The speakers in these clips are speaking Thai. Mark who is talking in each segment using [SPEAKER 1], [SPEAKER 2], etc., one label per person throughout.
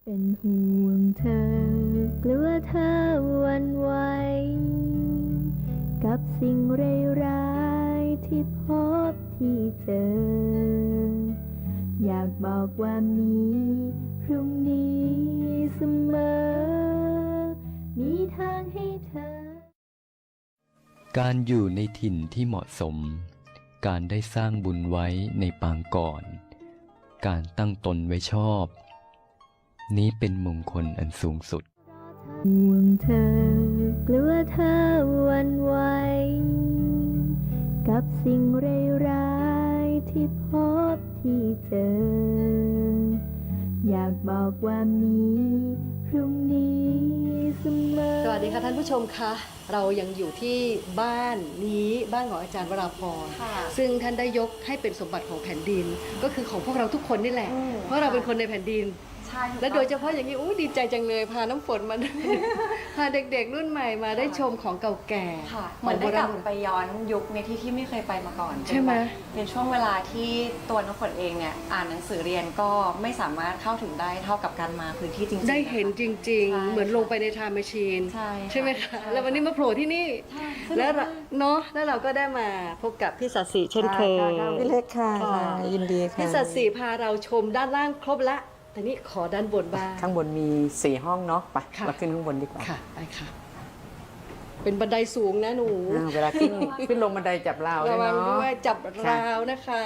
[SPEAKER 1] เป็นห่วงเธอกลัวเธอหวั่นไหวกับสิ่งร้ายๆที่พบที่เจออยากบอกว่ามีพรุ่งนี้เสมอมีทางให้เธอ
[SPEAKER 2] การอยู่ในถิ่นที่เหมาะสมการได้สร้างบุญไว้ในปางก่อนการตั้งตนไว้ชอบนี้เป็นมงคลอันสูงสุด
[SPEAKER 1] ห่วงเธอกลัวเธอหวั่นไหวกับสิ่งร้ายๆที่พบที่เจออยากบอกว่ามีพรุ่งนี้เสมอ
[SPEAKER 3] สวัสดีค่ะท่านผู้ชมคะเรายังอยู่ที่บ้านนี้บ้านของอาจารย์วราพรซึ่งท่านได้ยกให้เป็นสมบัติของแผ่นดินก็คือของพวกเราทุกคนนี่แหละเพราะเราเป็นคนในแผ่นดินและโดยเฉพาะอย่างนี้ดีใจจังเลยพาน้ำฝนมา พาเด็กๆรุ่นใหม่มาได้ชมของเก่าแก่
[SPEAKER 4] เหมือนได้กลับไปย้อนยุคในที่ไม่เคยไปมาก่อน
[SPEAKER 3] ใช่ไหม
[SPEAKER 4] เป็นช่วงเวลาที่ตัวน้ำฝนเองเนี่ยอ่านหนังสือเรียนก็ไม่สามารถเข้าถึงได้เท่ากับการมาพื้นที่จริงๆ
[SPEAKER 3] ได้เห็นจริงๆเหมือนลงไปในไทม์แมชชีนใช่ไหมคะแล้ววันนี้มาโผล่ที่นี่แล้วเนาะแล้วเราก็ได้มาพบกับพี่สัตย์ศรีเช่นเคย
[SPEAKER 5] พี่เล็กค่ะยินดีค่ะ
[SPEAKER 3] พี่สัตย์ศรีพาเราชมด้านล่างครบละแต่นี่ขอด้านบนบ้าง
[SPEAKER 5] ข้างบนมี4ห้องเนาะไปเราขึ้นข้างบนดีกว่า
[SPEAKER 3] ค่ะไปค่ะเป็นบันไดสูงนะหนู
[SPEAKER 5] เวลาขึ้นลงบันไดจับราว
[SPEAKER 3] ระวัง
[SPEAKER 5] เนาะ
[SPEAKER 3] ด้วยจับราวนะคะ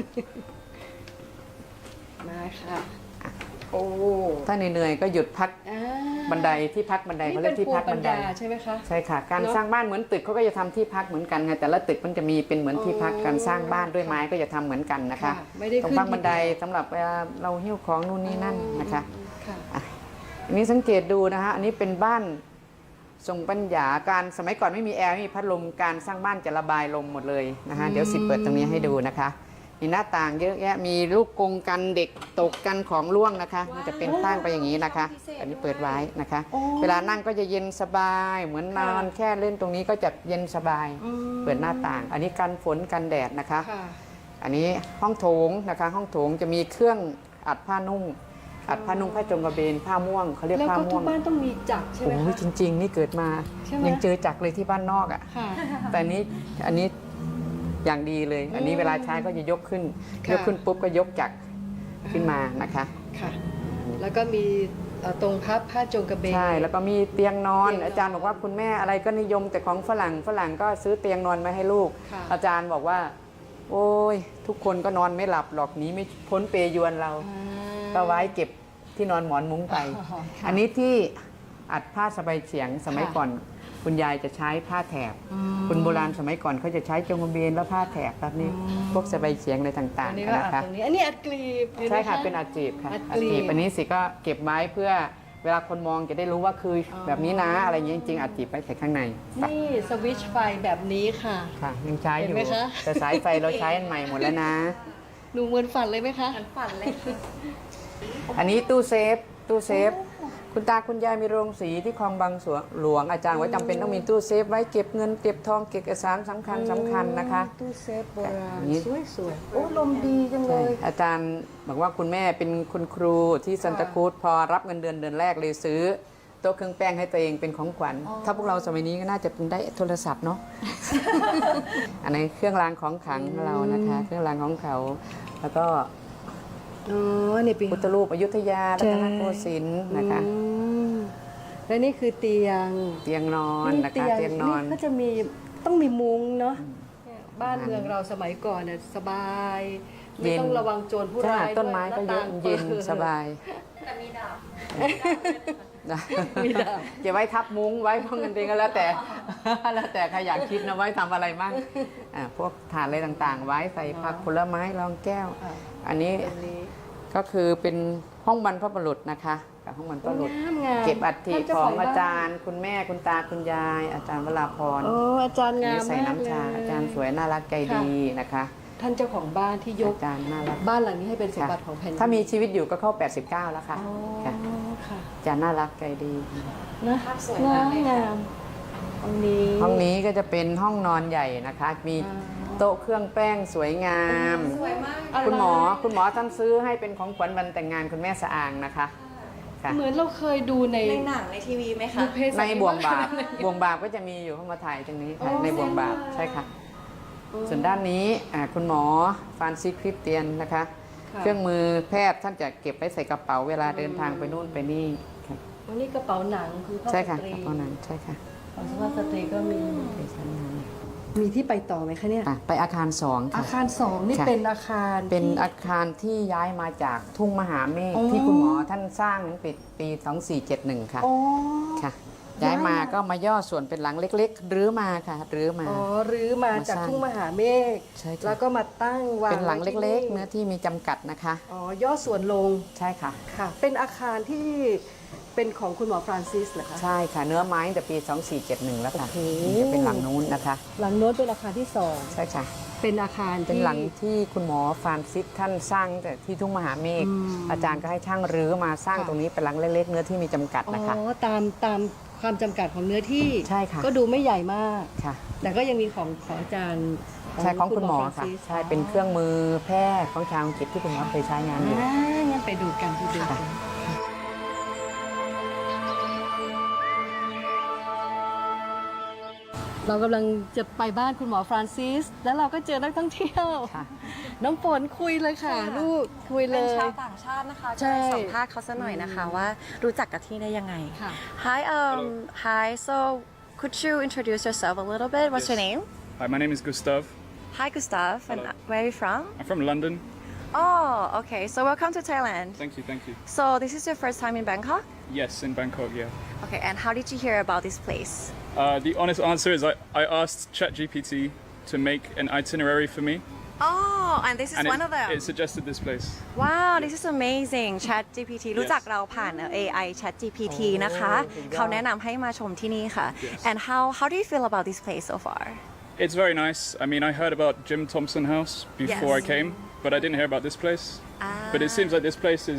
[SPEAKER 3] มาค่ะโอ้
[SPEAKER 5] ถ้าเหนื่อยๆก็หยุดพักบันไดที่พักบันไดเขาเรียกที่พักบันได
[SPEAKER 3] ใช่ไหมคะ
[SPEAKER 5] ใช่ค่ะการสร้างบ้านเหมือนตึกเขาก็จะทำที่พักเหมือนกันไงแต่ละตึกมันจะมีเป็นเหมือนที่พักการสร้างบ้านด้วยไม้ก็จะทำเหมือนกันนะคะตรงพักบันไดสำหรับเวลาเราหิ้วของนู่นนี่นั่นนะคะอันนี้สังเกตดูนะคะอันนี้เป็นบ้านทรงปัญญาการสมัยก่อนไม่มีแอร์ไม่มีพัดลมการสร้างบ้านจะระบายลมหมดเลยนะคะเดี๋ยวสิเปิดตรงนี้ให้ดูนะคะมีหน้าต่างเยอะแยะมีลูกกรงกันเด็กตกกันของร่วงนะคะมันจะเป็นสร้างไปอย่างนี้นะคะอันนี้เปิดไว้นะคะเวลานั่งก็จะเย็นสบายเหมือนนอนแค่เล่นตรงนี้ก็จะเย็นสบายเปิดหน้าต่างอันนี้กันฝนกันแดดนะคะอันนี้ห้องโถงนะคะห้องโถงจะมีเครื่องอัดผ้านุ่งผ้าจงกระเบนผ้าม่วงเขาเรียกผ้าม่วง
[SPEAKER 3] แล้วก็ทุกบ้านต้องมีจักรใช่ไหมคะ
[SPEAKER 5] จริงๆนี่เกิดมายังเจอจักรเลยที่บ้านนอกอ่ะแต่อันนี้อย่างดีเลยอันนี้เวลาใช้ก็จะยกขึ้นปุ๊บก็ยกจักรขึ้นมานะคะ
[SPEAKER 3] ค่ะแล้วก็มีตรงพับผ้าจงกระเบน
[SPEAKER 5] ใช่แล้วก็มีเตียงนอนอาจารย์บอกว่าคุณแม่อะไรก็นิยมแต่ของฝรั่งก็ซื้อเตียงนอนมาให้ลูกอาจารย์บอกว่าโอ้ยทุกคนก็นอนไม่หลับหรอกนี้ไม่พ้นเปยวนเราก็ไว้เก็บที่นอนหมอนมุ้งไปอันนี้ที่อัดผ้าสบายเฉียงสมัยก่อนคุณยายจะใช้ผ้าแถบคุณโบราณสมัยก่อนเขาจะใช้จงกระเบนแล้วผ้าแถบแบบนี้พวกสบายเฉียงอะไรต่างๆนะคะ
[SPEAKER 3] อันนี้อัดกลีบ
[SPEAKER 5] ใช่ค่ะเป็นอัดจีบค่ะอัดจีบอันนี้สิก็เก็บไว้เพื่อเวลาคนมองจะได้รู้ว่าคือแบบนี้นะอะไรอย่างนี้จริงๆอัดจีบไปใส่ข้างใน
[SPEAKER 3] นี่สวิตช์ไฟแบบนี้ค่ะ
[SPEAKER 5] ค่ะยังใช้อยู่แต่สายไฟเราใช้อันใหม่หมดแล้วนะ
[SPEAKER 3] ดูเหมือนฝันเลยไหมคะ
[SPEAKER 4] ฝันเลย
[SPEAKER 5] อันนี้ตู้เซฟคุณตาคุณยายมีโรงสีที่คลองบางหลวงอาจารย์ว่าจำเป็นต้องมีตู้เซฟไว้เก็บเงินเก็บทองเก็บเอกสารสำคัญนะคะ
[SPEAKER 3] ตู้เซฟโบราณสวยๆโอ้ลมดีจังเลย
[SPEAKER 5] อาจารย์บอกว่าคุณแม่เป็นคุณครูที่ซันตาครูซพอรับเงินเดือนแรกเลยซื้อโต๊ะเครื่องแป้งให้ตัวเองเป็นของขวัญถ้าพวกเราสมัยนี้ก็น่าจะเป็นได้โทรศัพท์เนาะ อันนี้เครื่องรางของขลังเรานะคะเครื่องรางของเขาแล้วก็พุทธรูปอยุธยารัตนโกสินทร์นะคะ
[SPEAKER 3] และนี่คือเตียง
[SPEAKER 5] นอนนะคะเตียงนอน
[SPEAKER 3] ก็จะมีต้องมีมุ้งเนาะบ้านเมืองเราสมัยก่อนเนี่ยสบายไม่ต้องระวังโจรผู้ร้าย
[SPEAKER 5] ต้นไม้ก็เย็นสบาย
[SPEAKER 4] แต่มีดาบ
[SPEAKER 5] เก็บไว้ทับมุ้งไว้พวกเงินเองก็แล้วแต่ใครอยากคิดนะไว้ทำอะไรบ้างพวกถาดอะไรต่างๆไว้ใส่ผักผลไม้รองแก้วอันนี้ก็คือเป็นห้องบรรพบุรุษนะคะกับห้องบรรพบุรุษเก็บอัฐิของอาจารย์คุณแม่คุณตาคุณยายอาจารย์วราพร
[SPEAKER 3] อาจารย์งาม
[SPEAKER 5] ใส่น้ำชาอาจารย์สวยน่ารักใจดีนะคะ
[SPEAKER 3] ท่านเจ้าของบ้านที่ยก
[SPEAKER 5] อาจารย์น่ารัก
[SPEAKER 3] บ้านหลังนี้ให้เป็นสมบัติของแผ่นดิน
[SPEAKER 5] ถ้ามีชีวิตอยู่ก็เข้า89แล้วค่ะอาจารย์น่ารักใจดี
[SPEAKER 3] นะงามห้
[SPEAKER 5] องนี้ก็จะเป็นห้องนอนใหญ่นะคะมีโต๊ะเครื่องแป้งสวยงามคุณหมอท่านซื้อให้เป็นของขวัญวันแต่งงานคุณแม่สะอางนะคะค่ะ
[SPEAKER 3] เหมือนเราเคยดูใน
[SPEAKER 4] ในหนังในทีวีไหมคะ
[SPEAKER 3] บุพเพสั
[SPEAKER 5] ใน
[SPEAKER 3] นนิ
[SPEAKER 5] บ่ว
[SPEAKER 3] วาง ส
[SPEAKER 5] บาปบ่วงบาปก็จะมีอยู่เข้ามาถ่ายตรงนี้ค่ะ
[SPEAKER 3] อ๋อ
[SPEAKER 5] ในบ่วงบาป
[SPEAKER 3] เส้นมา
[SPEAKER 5] ใช่ค่ะ ส่วนด้านนี้คุณหมอฟรานซิสคริสเตียนนะคะ
[SPEAKER 3] ค่ะ
[SPEAKER 5] เครื่องมือแพทย์ท่านจะเก็บไว้ใส่กระเป๋าเวลาเดินทางไปนู่นไปนี่ค่ะ
[SPEAKER 3] อันนี้กระเป๋าหนังคือผ้า
[SPEAKER 5] ใช่
[SPEAKER 3] ส
[SPEAKER 5] ค่ะ
[SPEAKER 3] ตรี
[SPEAKER 5] กระเป๋าหนังใช่ค่ะ
[SPEAKER 3] ของสุภาพสตรีก็มี
[SPEAKER 5] ไปชั้นนั้น
[SPEAKER 3] มีที่ไปต่อไหมคะเนี่ย
[SPEAKER 5] ไปอาคาร2
[SPEAKER 3] อา
[SPEAKER 5] ค่ะ
[SPEAKER 3] คาร2นี่
[SPEAKER 5] ค่ะ
[SPEAKER 3] เป็นอาคาร
[SPEAKER 5] เป็น
[SPEAKER 3] ที่
[SPEAKER 5] อาคารที่ย้ายมาจากทุ่งมหาเมฆ
[SPEAKER 3] อ๋อ
[SPEAKER 5] ที่คุณหมอท่านสร้างนั้นปี 2471 ค่ะ
[SPEAKER 3] อ๋อ
[SPEAKER 5] ค่ะ
[SPEAKER 3] ย้า
[SPEAKER 5] ย้าย ย
[SPEAKER 3] มา
[SPEAKER 5] มาก็มาย่อส่วนเป็นหลังเล็กๆรื้อมาค่ะรื้อมา
[SPEAKER 3] อ๋อรื้อมาจาก
[SPEAKER 5] มาสร้าง
[SPEAKER 3] ทุ่งมหาเมฆ
[SPEAKER 5] ใช่ค่ะ
[SPEAKER 3] แล้วก็มาตั้งวาง
[SPEAKER 5] เป็นหลัง
[SPEAKER 3] ไว้ที่
[SPEAKER 5] เล็กๆ เนื้อที่มีจำกัดนะคะ
[SPEAKER 3] อ๋อย่อส่วนลง
[SPEAKER 5] ใช่ค่ะ
[SPEAKER 3] ค่ะ เป็นอาคารที่เป็นของคุณหมอฟรานซิสเหรอคะ
[SPEAKER 5] ใช่ค่ะ เนื้อไม้ตั้งแต่ปี 2471 แล้วค่ะ
[SPEAKER 3] โอ้โห
[SPEAKER 5] จะเป็นหลังนู้นนะคะ
[SPEAKER 3] หลังโน้นเป็นอาคารที่
[SPEAKER 5] ใช่ค่ะ
[SPEAKER 3] 2 เป็นอาคาร
[SPEAKER 5] เป็น
[SPEAKER 3] ที่
[SPEAKER 5] หลังที่คุณหมอฟรานซิสท่านสร้างแต่ที่ทุ่งมหาเมฆ
[SPEAKER 3] อืม
[SPEAKER 5] อาจารย์ก็ให้ช่างรื้อมาสร้าง
[SPEAKER 3] ค่ะ
[SPEAKER 5] ตรงนี้เป็นหลังเล็กๆ เนื้อที่มีจำกัด
[SPEAKER 3] อ๋
[SPEAKER 5] นะคะ
[SPEAKER 3] อตามความจำกัดของเนื้อที่
[SPEAKER 5] ใช่ค่ะ
[SPEAKER 3] ก็ดูไม่ใหญ่มาก
[SPEAKER 5] ค่ะ
[SPEAKER 3] แต่ก็ยังมีของอาจารย์
[SPEAKER 5] ใช่ของคุณหมอ
[SPEAKER 3] ฟราน
[SPEAKER 5] ค่ะ
[SPEAKER 3] ซิส
[SPEAKER 5] ใช่เป็นเครื่องมือแพทย์ของชาวอังกฤษที่คุณหมอเคยใช้งานอยู่
[SPEAKER 3] งั้นไปดูกันไปดูกัน เรากำลังจะไปบ้านคุณหมอฟรานซิส แล้วเราก็เจอนักท่องเที่ยว
[SPEAKER 5] ค่ะ
[SPEAKER 3] น้องฝนคุยเลยค่ะ
[SPEAKER 4] ค่ะ
[SPEAKER 3] ลูกคุยเล
[SPEAKER 4] เป็น
[SPEAKER 3] ย
[SPEAKER 4] ชาวต่างชาตินะคะ
[SPEAKER 3] ใช่
[SPEAKER 4] จะไปสัมภาษณ์เขาสักหน่อยนะคะว่ารู้จักกับที่ได้ยังไง
[SPEAKER 3] ค่ะ
[SPEAKER 4] Hi, so could you introduce yourself a little bit? What's your name?
[SPEAKER 6] Hi, my name is Gustav.
[SPEAKER 4] Hi, Gustav. And
[SPEAKER 6] Hello.
[SPEAKER 4] where are you from?
[SPEAKER 6] I'm from London.
[SPEAKER 4] Oh, okay. So welcome to Thailand.
[SPEAKER 6] Thank you, thank you.
[SPEAKER 4] So this is your first time in Bangkok?
[SPEAKER 6] Yes, in Bangkok, yeah.
[SPEAKER 4] Okay, and how did you hear about this place?
[SPEAKER 6] The honest answer is I asked ChatGPT to make an itinerary for me,
[SPEAKER 4] Oh, and this is
[SPEAKER 6] and
[SPEAKER 4] one of them.
[SPEAKER 6] it suggested this place.
[SPEAKER 4] Wow, this is amazing. Chat GPT รู้จักเราผ่าน AI Chat GPT นะคะ เขาแนะนำให้มาชมที่นี่ค่ะ
[SPEAKER 6] Yes.
[SPEAKER 4] And how do you feel about this place so far?
[SPEAKER 6] It's very nice. I mean, I heard about Jim Thompson House before
[SPEAKER 4] Yes.
[SPEAKER 6] I came, but I didn't hear about this place. But it seems like this place is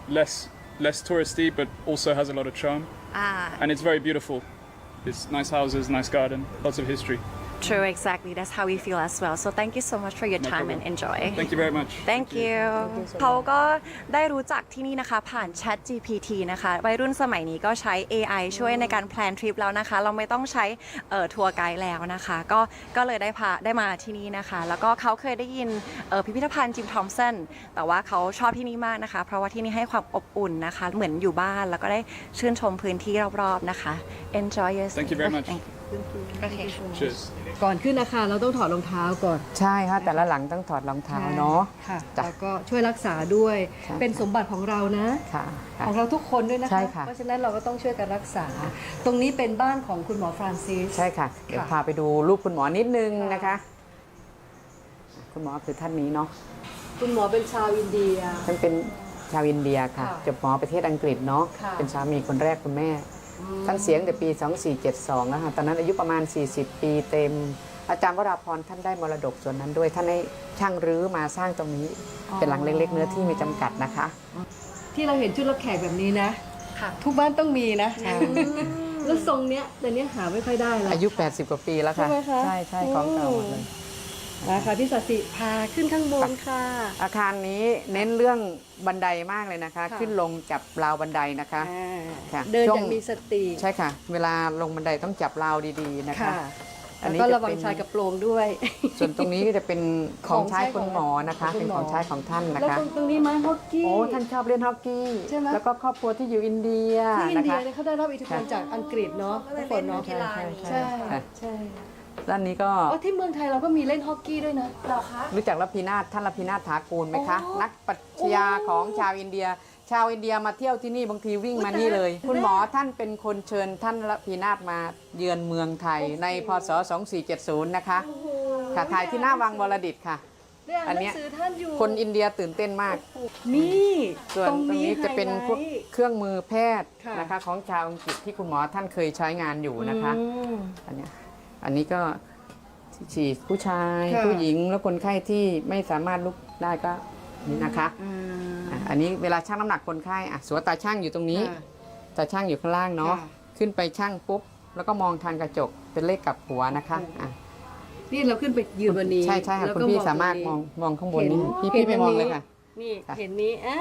[SPEAKER 6] less touristy, but also has a lot of charm, and it's very beautiful. It's nice houses, nice garden, lots of history.
[SPEAKER 4] True, exactly. That's how we feel as well. So thank you so much for your
[SPEAKER 6] No
[SPEAKER 4] time
[SPEAKER 6] problem.
[SPEAKER 4] and enjoy.
[SPEAKER 6] Thank you very much.
[SPEAKER 4] Thank you เขาก็ได้รู้จักที่นี่นะคะผ่าน Chat GPT นะคะวัยรุ่นสมัยนี้ก็ใช้ AI ช่วยในการแพลนทริปแล้วนะคะ เราไม่ต้องใช้ทัวร์ไกด์แล้วนะคะ ก็เลยได้มาที่นี่นะคะ แล้วก็เขาเคยได้ยินพิพิธภัณฑ์จิมทอมสันแต่ว่าเขาชอบที่นี่มากนะคะ เพราะว่าที่นี่ให้ความอบอุ่นนะคะ เหมือนอยู่บ้านแล้วก็ได้ชื่นชมพื้นที่รอบๆนะคะ Enjoy your
[SPEAKER 6] Thank you very much.
[SPEAKER 4] Thank you. Okay.
[SPEAKER 6] Cheers.
[SPEAKER 3] ก่อนขึ้นอาคารเราต้องถอดรองเท้าก่อน
[SPEAKER 5] ใช่ค่ะ แต่ละหลังต้องถอดรองเท้าเนาะ
[SPEAKER 3] ค่ะ
[SPEAKER 5] จ้ะ
[SPEAKER 3] แล้วก็ช่วยรักษาด้วย
[SPEAKER 5] ใช่
[SPEAKER 3] เป็นสมบัติของเรานะ
[SPEAKER 5] ค่ะค่ะ
[SPEAKER 3] ของเราทุกคนด้วยนะคะ
[SPEAKER 5] ใช่ค่ะ
[SPEAKER 3] เพราะฉะนั้นเราก็ต้องช่วยกันรักษา ตรงนี้เป็นบ้านของคุณหมอฟรานซิส
[SPEAKER 5] ใช่ค่ะ เดี๋ยว
[SPEAKER 3] ค่ะ
[SPEAKER 5] พาไปดูรูปคุณหมอนิดนึง
[SPEAKER 3] ค่ะ
[SPEAKER 5] นะคะ คุณหมอคือท่านนี้เนาะ
[SPEAKER 3] คุณหมอเป็นชาวอินเดีย
[SPEAKER 5] ท่านเป็นชาวอินเดียค่ะ
[SPEAKER 3] ค่ะ
[SPEAKER 5] จบหมอประเทศอังกฤษเนาะ
[SPEAKER 3] ค่ะ
[SPEAKER 5] เป็นสามีคนแรกคุณแม่ ท่านเสียงแต่ปี 2472นะคะตอนนั้นอายุประมาณ 40 ปีเต็ม อาจารย์วราพรท่านได้มรดกส่วนนั้นด้วย ท่านให้ช่างรื้อมาสร้างตรงนี้ เป็นหลังเล็กๆ เนื้อที่มีจำกัดนะคะ
[SPEAKER 3] ที่เราเห็นชุดรับแขกแบบนี้นะ
[SPEAKER 4] ค่ะ
[SPEAKER 3] ทุกบ้านต้องมีนะ แล้วทรงเนี้ยแต่เนี้ยหาไม่ค่อยได้แล้ว
[SPEAKER 5] อายุ 80 กว่าปีแล้วค่ะ
[SPEAKER 3] ใช่ไหมคะ
[SPEAKER 5] ใช่ใช่ของเก่าหมดเลย
[SPEAKER 3] นะคะพี่สัสิพาขึ้นข้างบนค่ะ
[SPEAKER 5] อาคารนี้เน้นเรื่องบันไดมากเลยนะคะ
[SPEAKER 3] ค่ะ
[SPEAKER 5] ขึ้นลงจับราวบันไดนะคะ ค่ะ
[SPEAKER 3] เดิน
[SPEAKER 5] ช่ว
[SPEAKER 3] อง ย่างมีสติ
[SPEAKER 5] ใช่ค่ะ เวลาลงบันไดต้องจับราวดีๆนะคะ
[SPEAKER 3] ค่ะ
[SPEAKER 5] อัน
[SPEAKER 3] แล้ว
[SPEAKER 5] นี้
[SPEAKER 3] ก็
[SPEAKER 5] จะ
[SPEAKER 3] ระวัง
[SPEAKER 5] เป็น
[SPEAKER 3] ชายกระโปรงด้วย
[SPEAKER 5] ส่วนตรงนี้ก็จะเป็นของใช้
[SPEAKER 3] ของใช้
[SPEAKER 5] คุณหมอนะคะ
[SPEAKER 3] ของคุ
[SPEAKER 5] เป็น
[SPEAKER 3] ณหมอ
[SPEAKER 5] ของใช้ของท่านนะ
[SPEAKER 3] แล้ว
[SPEAKER 5] คะ
[SPEAKER 3] ตรงนี้ไม้ฮอกกี้
[SPEAKER 5] โอ้ท่านชอบเล่นฮอกกี้
[SPEAKER 3] ใช่ไหม
[SPEAKER 5] แล้วก็ครอบครัวที่อยู่อินเดีย
[SPEAKER 3] ที่อิน
[SPEAKER 5] นะ
[SPEAKER 3] เดีย
[SPEAKER 5] คะ
[SPEAKER 3] เนี่ยเขาได้รับอิทธิพลจากอังกฤษเนาะ
[SPEAKER 4] ก็เลย
[SPEAKER 3] ทุกคนเนาะ
[SPEAKER 4] เล่นกีฬานี้
[SPEAKER 3] ใช่
[SPEAKER 5] ค่ะ
[SPEAKER 3] ใช่
[SPEAKER 5] ด้านนี้ก็
[SPEAKER 3] อ๋อที่เมืองไทยเราก็มีเล่นฮอกกี้ด้วยนะ
[SPEAKER 4] เหรอคะ
[SPEAKER 5] รู้จักรพีนาถท่านรพีนาถถากูลไหมคะ
[SPEAKER 3] อ๋อ
[SPEAKER 5] นักปรัชญาของชาวอินเดีย ชาวอินเดียมาเที่ยวที่นี่บางทีวิ่งมานี่เลย
[SPEAKER 3] อุ๊ย
[SPEAKER 5] คุณหมอท่านเป็นคนเชิญท่านรพีนาถมาเยือนเมืองไทยในพศ 2470 นะคะ
[SPEAKER 3] โอ้โห
[SPEAKER 5] ค่ะถ่ายที่หน้าวังวรดิตค่ะ
[SPEAKER 3] ได้อ่าน
[SPEAKER 5] อัน
[SPEAKER 3] หนั
[SPEAKER 5] เนี้ย
[SPEAKER 3] งสือท่านอยู่
[SPEAKER 5] คนอินเดียตื่นเต้นมาก
[SPEAKER 3] นี่
[SPEAKER 5] ส่วนตรงนี้จะเป็นพวก
[SPEAKER 3] ไฮไลท์
[SPEAKER 5] เครื่องมือแพทย์
[SPEAKER 3] ค่ะ
[SPEAKER 5] นะคะของชาวอังกฤษที่คุณหมอท่านเคยใช้งานอยู่นะคะ
[SPEAKER 3] อืม
[SPEAKER 5] อันนี้ก็ฉีดผู้ชาย
[SPEAKER 3] ค่ะ
[SPEAKER 5] ผู้หญิงแล้วคนไข้ที่ไม่สามารถลุกได้ก็นี่นะคะอันนี้เวลาชั่งน้ำหนักคนไข้สวมตาช่างอยู่ตรงนี้
[SPEAKER 3] ค่ะ
[SPEAKER 5] ตาช่างอยู่ข้างล่างเนาะ
[SPEAKER 3] ค่ะ
[SPEAKER 5] ขึ้นไปช่างปุ๊บแล้วก็มองทางกระจกเป็นเลขกลับหัวนะคะอ่ะ
[SPEAKER 3] นี่เราขึ้นไปยืนบนนี้
[SPEAKER 5] ใช่ใช่ค่ะ
[SPEAKER 3] แล้ว
[SPEAKER 5] คุณ
[SPEAKER 3] ก็
[SPEAKER 5] พี่
[SPEAKER 3] อง
[SPEAKER 5] สามารถ
[SPEAKER 3] ตงนี้
[SPEAKER 5] มองข้างบนนี้
[SPEAKER 3] เห็น
[SPEAKER 5] พี่ไปมอง
[SPEAKER 3] เห็นอันนี้
[SPEAKER 5] เลยค่ะ
[SPEAKER 3] นี่
[SPEAKER 5] ค่ะ
[SPEAKER 3] เห็นนี้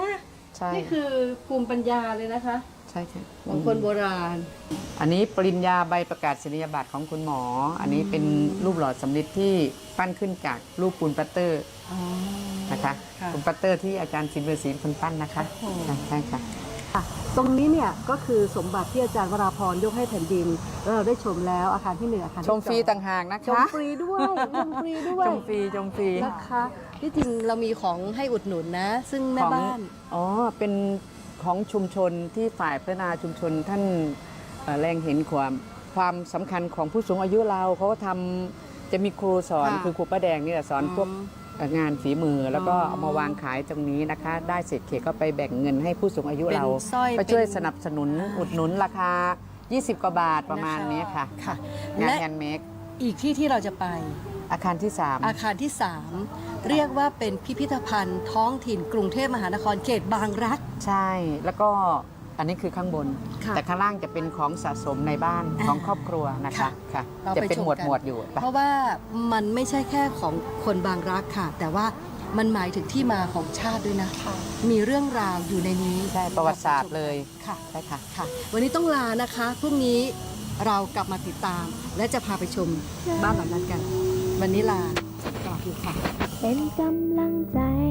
[SPEAKER 5] ใช่
[SPEAKER 3] นี่คือภูมิปัญญาเลยนะคะ
[SPEAKER 5] ใช่ค่ะ
[SPEAKER 3] ของคนโบราณ
[SPEAKER 5] อันนี้ปริญญาใบประกาศนียบัตรของคุณหมอ อันนี้เป็นรูปหล่อสำริดที่ปั้นขึ้นจากรูปปูนปัตเตอร์นะคะ
[SPEAKER 3] ค่ะ
[SPEAKER 5] ปูนปัตเตอร์ที่อาจารย์สินเวอร์ศรีเป็นคนปั้นนะคะใช่ค่ะ
[SPEAKER 3] ตรงนี้เนี่ยก็คือสมบัติที่อาจารย์วราพรยกให้แผ่นดินแล้วเราได้ชมแล้วอาคารที่1อาคารที่
[SPEAKER 5] ชมฟรี
[SPEAKER 3] 2
[SPEAKER 5] ต่างหากนะ
[SPEAKER 3] ชม
[SPEAKER 5] คะ
[SPEAKER 3] ฟรีด้วยชมฟรีด้วย
[SPEAKER 5] ชมฟรีชมฟรี
[SPEAKER 3] นะคะที่จริงเรามีของให้อุดหนุนนะ ซึ่งแม่บ้าน
[SPEAKER 5] อ๋อเป็นของชุมชนที่ฝ่ายพัฒนาชุมชนท่านแรงเห็นความสำคัญของผู้สูงอายุเราเขาก็ทำจะมีครูสอน
[SPEAKER 3] ค่ะ
[SPEAKER 5] คือครูป้าแดงนี่แหละสอนพวกงานฝีมือแล้วก็เอามาวางขายตรงนี้นะคะ ได้เศษเขตก็ไปแบ่งเงินให้ผู้สูงอายุ
[SPEAKER 3] เป็น
[SPEAKER 5] เรา
[SPEAKER 3] สร้อย
[SPEAKER 5] ก็ช่วย
[SPEAKER 3] เป็น
[SPEAKER 5] สนับสนุนอุดหนุนราคา 20 กว่าบาทประมาณนี้ค่ะ
[SPEAKER 3] ค่ะ
[SPEAKER 5] งาน
[SPEAKER 3] และ
[SPEAKER 5] แฮนด์เมด
[SPEAKER 3] อีกที่เราจะไป
[SPEAKER 5] อาคารที่
[SPEAKER 3] อาคารที่ 3 เรียกว่าเป็นพิพิธภัณฑ์ท้องถิ่นกรุงเทพมหานครเขตบางรัก
[SPEAKER 5] 3 ใช่ แล้วก็อันนี้คือข้างบน
[SPEAKER 3] ค่ะ
[SPEAKER 5] แต่ข้างล่างจะเป็นของสะสมในบ้านของครอบครัวนะคะ
[SPEAKER 3] ค่ะ
[SPEAKER 5] ค่ะ
[SPEAKER 3] เรา
[SPEAKER 5] จะ
[SPEAKER 3] ไป
[SPEAKER 5] เป็น
[SPEAKER 3] ชม
[SPEAKER 5] หมวด
[SPEAKER 3] กัน
[SPEAKER 5] หมวดอยู่
[SPEAKER 3] เพราะว่ามันไม่ใช่แค่ของคนบางรักค่ะ แต่ว่ามันหมายถึงที่มาของชาติด้วยนะ มีเรื่องราวอยู่ในนี้
[SPEAKER 5] ใช่ประวัติศาสตร์เลย
[SPEAKER 3] ค่ะ
[SPEAKER 5] ใช่ค่ะ
[SPEAKER 3] ค่ะ วันนี้ต้องลานะคะพรุ่งนี้เรากลับมาติดตาม และจะพาไปชมบ้านหลังนั้นกัน วันนี้ลาสวัสดีค่ะ
[SPEAKER 1] เป็นกำลังใจ